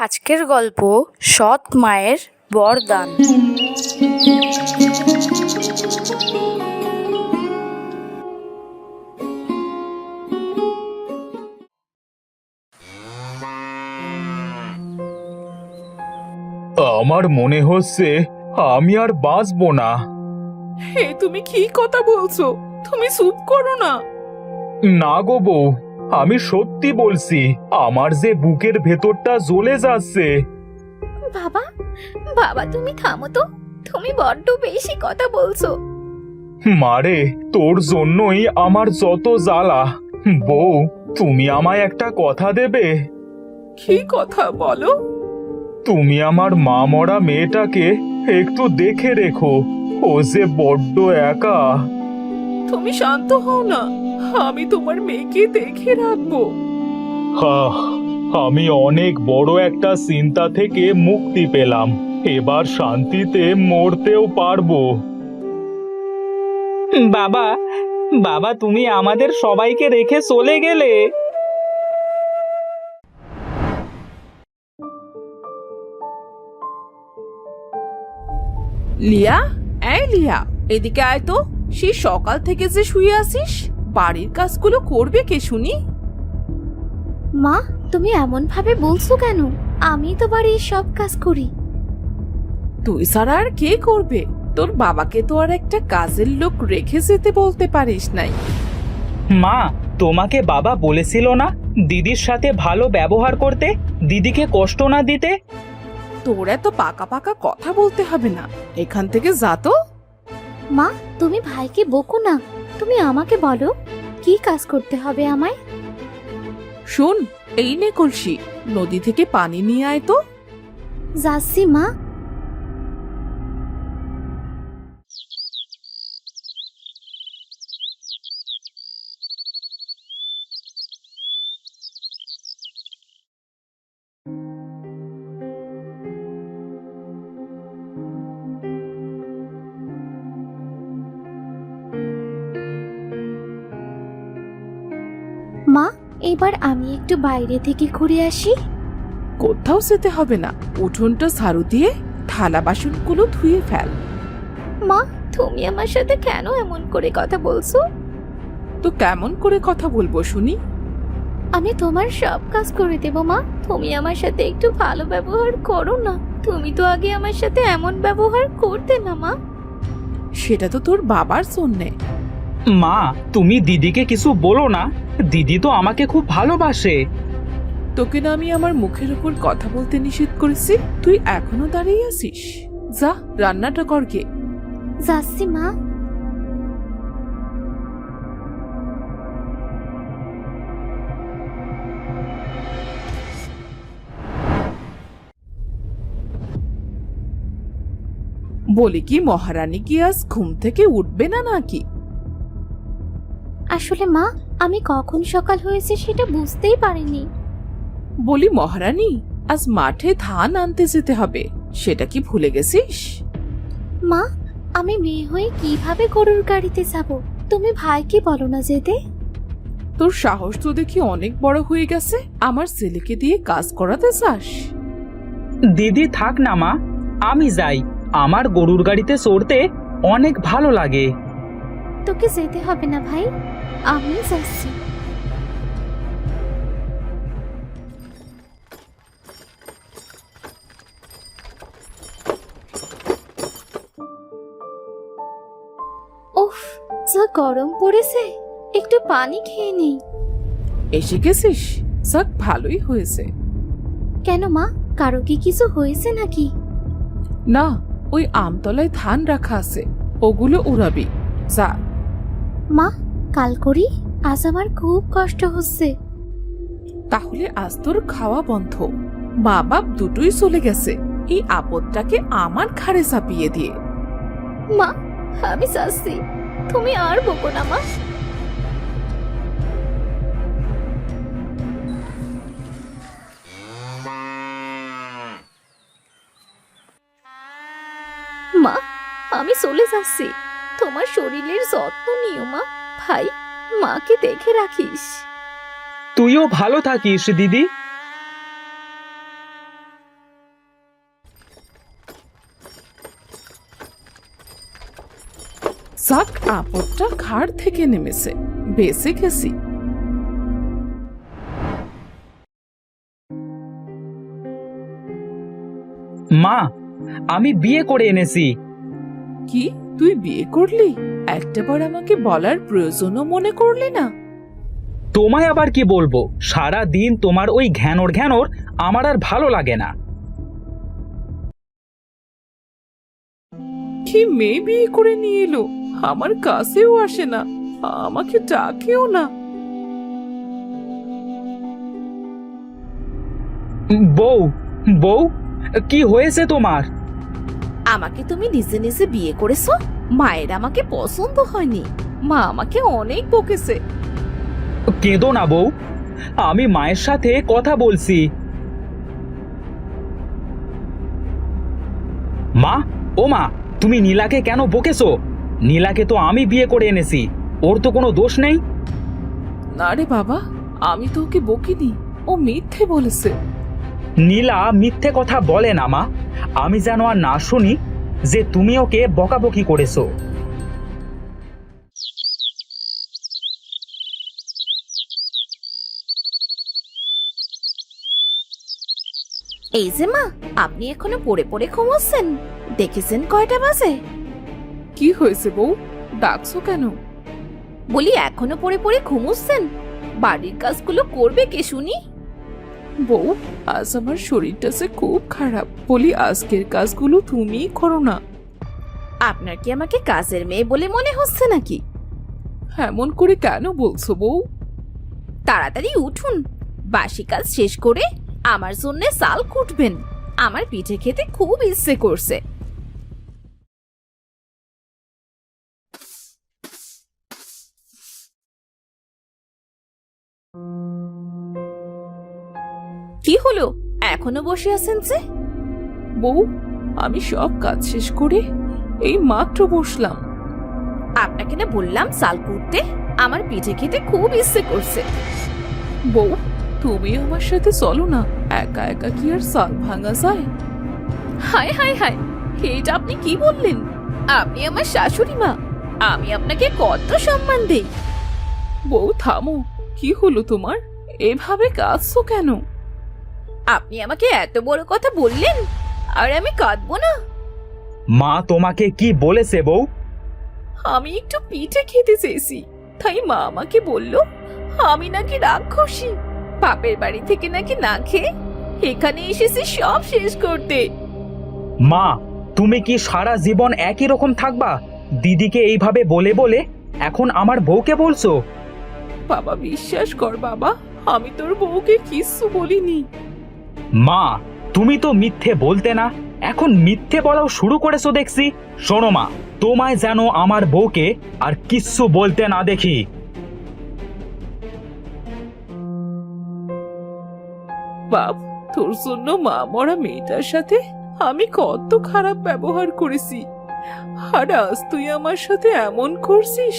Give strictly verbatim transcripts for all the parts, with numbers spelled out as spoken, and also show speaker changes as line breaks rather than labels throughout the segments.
আজকের গল্প সৎ মায়ের বরদান।
আমার মনে হচ্ছে আমি আর বাঁচবো না।
হে, তুমি কি কথা বলছো? তুমি চুপ করো না।
না গো বউ, আমি সত্যি বলছি, আমার যে বুকের ভেতরটা জ্বলে যাচ্ছে।
বাবা বাবা তুমি থামো তো, তুমি বড্ড বেশি কথা বলছো।
মারে, তোর জন্যই আমার যত জ্বালা। বউ, তুমি আমায় একটা কথা দেবে?
কি কথা বলো?
তুমি আমার মা মরা মেয়েটাকে একটু দেখে রেখো, ও যে বড্ড একা।
তুমি শান্ত হও না, আমি তোমার মেয়েকে দেখে রাখবো।
আহ, আমি অনেক বড় একটা চিন্তা থেকে মুক্তি পেলাম, এবার শান্তিতে মরতেও পারবো।
বাবা বাবা তুমি আমাদের সবাইকে রেখে চলে গেলে।
লিয়া, এই লিয়া, এদিকে আয় তো। সেই সকাল থেকে যে শুয়ে আছিস, বাড়ির কাজগুলো করবে কে শুনি?
মা, তুমি এমন ভাবে বলছো কেন? আমি তো বাড়ির সব কাজ করি।
তুই ছাড়া আর কে করবে? তোর বাবাকে তো আর একটা কাজের লোক রেখে যেতে বলতে পারিস নাই।
মা, তোমাকে বাবা বলেছিল না দিদির সাথে ভালো ব্যবহার করতে, দিদিকে কষ্ট না দিতে?
তোর এত পাকা পাকা কথা বলতে হবে না, এখান থেকে যা তো।
মা, তুমি ভাইকে বকো না, তুমি আমাকে বলো কি কাজ করতে হবে আমায়।
শোন, এই নে কলসি, নদী থেকে পানি নিয়ে আয় তো।
যাচ্ছি মা। মা, এবার আমি একটু বাইরে থেকে ঘুরে আসি।
কোথাও যেতে হবে না, উঠোনটা ঝাড়ু দিয়ে থালা বাসনগুলো ধুয়ে ফেল।
মা, তুমি আমার সাথে কেন এমন করে কথা বলছো?
তো কেমন করে কথা বলবো শুনি?
আমি তোমার সব কাজ করে দেব মা, তুমি আমার সাথে একটু ভালো ব্যবহার করো না। তুমি তো আগে আমার সাথে এমন ব্যবহার করতে না মা।
সেটা তো তোর বাবার জন্যে।
মা, তুমি দিদিকে কিছু বলো না, দিদি তো আমাকে খুব ভালোবাসে।
তোকে না আমি আমার মুখের উপর কথা বলতে নিষেধ করেছি, তুই এখনো দাঁড়িয়ে আছিস? যা, রান্নাটা কর গে।
যাচ্ছি মা।
বলি কি, মহারানী কি আজ ঘুম থেকে উঠবে না নাকি?
আসলে মা, আমি কখন সকাল হয়েছে সেটা বুঝতেই পারিনি।
বলি মহারানী, আজ মাঠে ধান আনতে যেতে হবে, সেটা কি ভুলে গেছিস?
মা, আমি মেয়ে হয়ে কিভাবে গরুর গাড়িতে যাব? তুমি ভাইকে বলো না যেতে।
তোর সাহস তো দেখি অনেক বড় হয়ে গেছে, আমার ছেলেকে দিয়ে কাজ করাতে চাস?
দিদি থাক না মা, আমি যাই, আমার গরুর গাড়িতে চড়তে অনেক ভালো লাগে।
তোকে যেতে হবে না ভাই, আমি যাচ্ছি। উফ, যা গরম পড়েছে, একটু পানি খেয়ে নেই।
এসে গেছিস? যাক, ভালোই হয়েছে।
কেন মা, কারো কি কিছু হয়েছে নাকি?
না, ওই আমতলায় ধান রাখা আছে, ওগুলো উড়াবি, যা।
মা, কাল করি, আজ আমার খুব কষ্ট হচ্ছে।
তাহলে আজ তোর খাওয়া বন্ধ, মা বাপ দুটোই চলে গেছে, এই আপদটাকে আমার ঘাড়ে চাপিয়ে দিয়ে।
মা, আমি যাচ্ছি, তুমি আর বকো না মা। মা, আমি চলে যাচ্ছি, তোমার শরীরের যত্ন নিও মা। ভাই, মাকে দেখে রাখিস।
তুইও ভালো থাকিস দিদি।
যাক, আপদটা ঘাড় থেকে নেমেছে, বেঁচে গেছি।
মা, আমি বিয়ে করে এনেছি।
কি, তুই বিয়ে করলি? একটাবার আমাকে বলার প্রয়োজনও মনে করলি না?
তোমায় আবার কি বলবো, সারা দিন তোমার ওই ঘ্যানোর ঘ্যানোর আমার আর ভালো লাগে না।
কি মেয়ে বিয়ে করে নিয়ে এলো, আমার কাছেও আসে না, আমাকে ডাকেও না।
বউ, বউ, কি হয়েছে তোমার?
আমাকে তুমি নিজে নিজে বিয়ে করেছো? মায়ের আমাকে পছন্দ হয়নি, মা আমাকে অনেক বকেছে।
কেঁদো না বউ, আমি মায়ের সাথে কথা বলছি। মা, ও মা, তুমি নীলাকে কেন বকেছো? নীলাকে তো আমি বিয়ে করে এনেছি, ওর তো কোনো দোষ নেই।
না রে বাবা, আমি তো ওকে বকিনি, ও মিথ্যে বলেছে।
নীলা মিথ্যে কথা বলে না মা, আমি যেন আর না শুনি যে তুমি ওকে বকাবকি করেছো।
এই যে মা, আপনি এখনো পড়ে পড়ে ঘুমোচ্ছেন? দেখেছেন কয়টা বাজে?
কি হয়েছে বউ, ডাকছো কেন?
বলি এখনো পড়ে পড়ে ঘুমোচ্ছেন? বাড়ির কাজগুলো করবে কে শুনি?
বউ, আজ আমার শরীরটা যে খুব খারাপ, বলি আজকের কাজগুলো তুমিই করো না।
আপনার কি আমাকে কাজের মেয়ে বলে মনে হচ্ছে নাকি?
এমন করে কেন বলছো বউ?
তাড়াতাড়ি উঠুন, বাসি কাজ শেষ করে আমার জন্য চাল কুটবেন, আমার পিঠে খেতে খুব ইচ্ছে করছে। কি হলো, এখনো বসে আছেন যে?
বউ, আমি সব কাজ শেষ করে এই মাত্র বসলাম।
আপনাকে না বললাম চাল কুটতে, আমার পিঠে খেতে খুব ইচ্ছে করছে।
বউ, তুমি আমার সাথে চলো না, একা একা কি আর চাল ভাঙা যায়?
হায় হায় হায়, এটা আপনি কি বললেন? আপনি আমার শাশুড়ি মা, আমি আপনাকে কত সম্মান দেই।
বউ থামো, কি হলো তোমার? এভাবে কাঁদছো কেন?
আপনি আমাকে এত বড় কথা বললেন, আর আমি কাঁদবো না?
মা তোমাকে কি বলেছে বউ?
আমি একটু পিঠে খেতে চেয়েছি, তাই মা আমাকে বলল আমি নাকি রাক্ষসী,
বাপের বাড়ি থেকে নাকি না খেয়ে এখানে এসেছি সব শেষ করতে।
মা, তুমি কি সারা জীবন একই রকম থাকবা? দিদিকে এইভাবে বলে বলে এখন আমার বউকে বলছো?
বাবা বিশ্বাস কর বাবা, আমি তোর বউকে কিচ্ছু বলিনি।
মা, তুমি তো মিথ্যে বলতে না, এখন মিথ্যে বলাও শুরু করেছো দেখছি। শোনো মা, তোমায় যেন আমার বউকে আর কিচ্ছু বলতে না দেখি।
বাপ, তোর জন্য মা মরা মেয়েটার সাথে আমি কত খারাপ ব্যবহার করেছি, আর আজ তুই আমার সাথে এমন করছিস।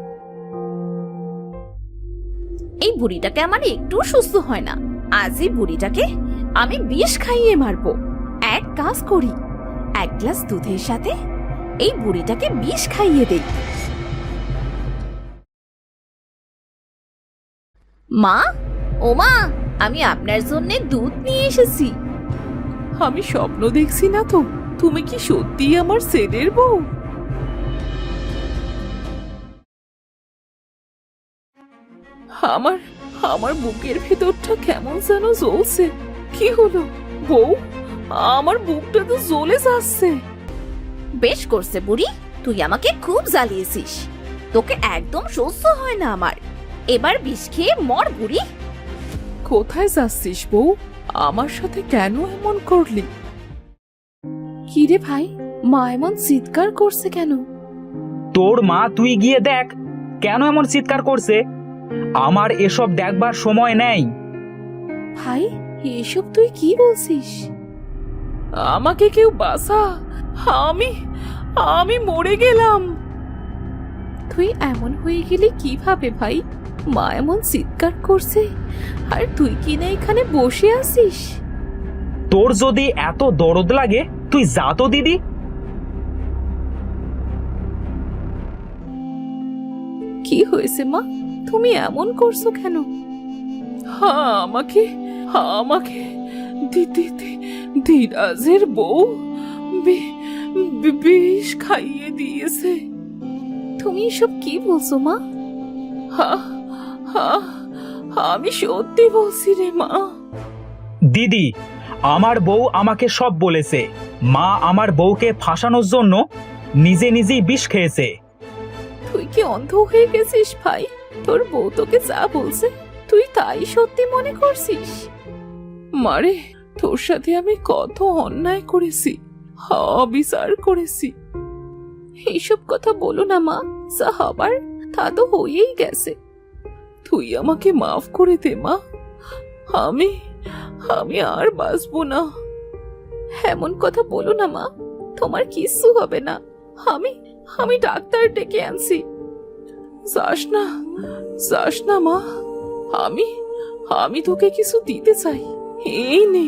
এই বুড়িটাকে আমার একটু সুস্থ হয় না, আজ এই বুড়িটাকে আমি বিষ খাইয়ে মারবো। এক কাজ করি, এক গ্লাস দুধের সাথে এই বুড়িটাকে বিষ খাইয়ে দেই। মা, ও মা, আমি আপনার জন্য দুধ নিয়ে এসেছি।
আমি স্বপ্ন দেখছি না তো? তুমি কি সত্যি আমার ছেলের বউ? আমার আমার বুকের ভেতরটা কেমন যেন জ্বলছে। কি হলো বউ? আমার বুকটা তো জ্বলে যাচ্ছে।
বেশ করছে বুড়ি, তুই আমাকে খুব জ্বালিয়েছিস, তোকে একদম সহ্য হয় না আমার। এবার বিষ খেয়ে মর বুড়ি।
কোথায় যাচ্ছিস বউ? আমার সাথে কেন এমন করলি? কি রে ভাই, মা এমন চিৎকার করছে কেন?
তোর মা, তুই গিয়ে দেখ কেন এমন চিৎকার করছে। আমার এসব দেখবার সময় নেই।
ভাই, এসব তুই কি বলছিস? আমাকে কেউ বাঁচা, আমি আমি মরে গেলাম। তুই এমন হয়ে গেলি কিভাবে ভাই? মা এমন চিৎকার করছে আর তুই কি না এখানে বসে আছিস?
তোর যদি এত দরদ লাগে তুই যা তো দিদি।
কি হয়েছে মা? তুমি এমন করছো কেন? হ্যাঁ, আমাকে আমাকে দিদি ধীরাজের বউ বি- বি- বিষ খাইয়ে দিয়েছে। তুমি এসব কি বলছো মা? হ্যাঁ হ্যাঁ, আমি সত্যি বলছি রে মা।
দিদি, আমার বউ আমাকে সব বলেছে। মা আমার বউকে ফাঁসানোর জন্য নিজে নিজেই বিষ খেয়েছে।
তুই কি অন্ধ হয়ে গেছিস ভাই? তোর বউ তোকে যা বলছে তুই তাই সত্যি মনে করছিস? মারে, তোর সাথে আমি কত অন্যায় করেছি, অবিচার করেছি। এইসব কথা বলো না মা, যা হবার তা তো হয়েই গেছে। তুই আমাকে মাফ করে দে মা। আমি আমি আর বাঁচবো না। এমন কথা বলো না মা, তোমার কিচ্ছু হবে না। আমি আমি ডাক্তার ডেকে আনছি। যাস না, যাস না মা। আমি আমি তোকে কিছু দিতে চাই, এই নে।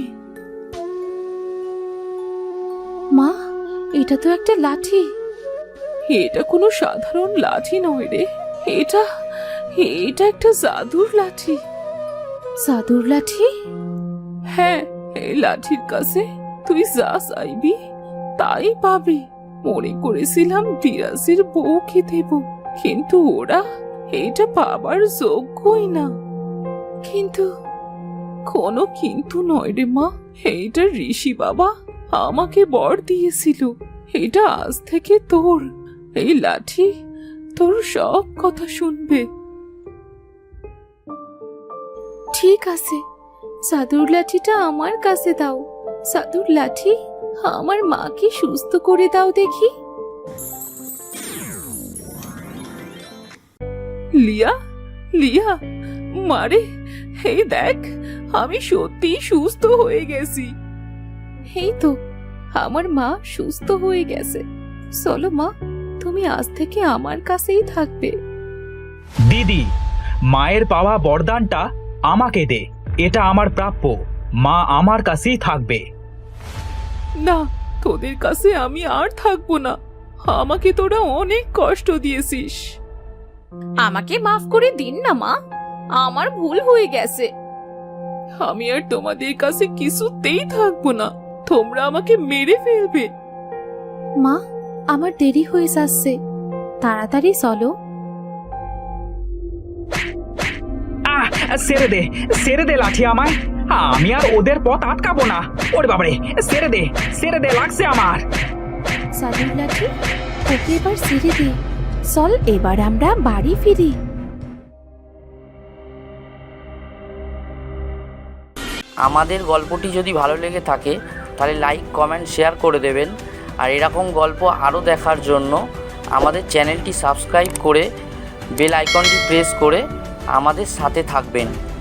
মা, এটা তো একটা লাঠি। এটা কোনো সাধারণ লাঠি নয় রে, এটা এটা একটা জাদুর লাঠি। জাদুর লাঠি? হ্যাঁ, এই লাঠির কাছে তুই যা চাইবি তাই পাবি। মনে করেছিলাম বিরাজের বউকে দেব, কিন্তু ওরা এটা পাবার যোগ্যই না। কিন্তু কোনো কিন্তু নয় রে মা, এইটা ঋষি বাবা আমাকে বর দিয়েছিল। এটা আজ থেকে তোর। এই লাঠি তোর সব কথা শুনবে। ঠিক আছে, জাদুর লাঠিটা আমার কাছে দাও। জাদুর লাঠি, আমার মাকে সুস্থ করে দাও দেখি। লিয়া, লিয়া, মারে, এই দেখ, আমি সত্যি সুস্থ হয়ে গেছি। এই তো, আমার মা সুস্থ হয়ে গেছে। চলো মা, তুমি আজ থেকে আমার কাছেই থাকবে।
দিদি, মায়ের পাওয়া বরদানটা আমাকে দে। এটা আমার প্রাপ্য। মা আমার কাছেই থাকবে।
না, তোদের কাছে আমি আর থাকবো না। আমাকে তোরা অনেক কষ্ট দিয়েছিস।
আমাকে মাফ করে দিন না মা, আমার ভুল হয়ে গেছে।
আমি আর তোমাদের কাছে কিছুতেই থাকবো না। তোমরা আমাকে মেরে ফেলবে। মা, আমার দেরি হয়ে যাচ্ছে, তাড়াতাড়ি চলো।
আহ, ছেড়ে দে, ছেড়ে দে লাঠি আমায়। আমি আর ওদের পথ আটকাবো না। ওরে বাবারে, ছেড়ে দে, ছেড়ে দে, লাগছে আমার।
জাদুর লাঠি, ওকে এবার ছেড়ে দে। চল এবার আমরা বাড়ি ফিরি।
আমাদের গল্পটি যদি ভালো লেগে থাকে তাহলে লাইক, কমেন্ট, শেয়ার করে দেবেন। আর এরকম গল্প আরও দেখার জন্য আমাদের চ্যানেলটি সাবস্ক্রাইব করে বেল আইকনটি প্রেস করে আমাদের সাথে থাকবেন।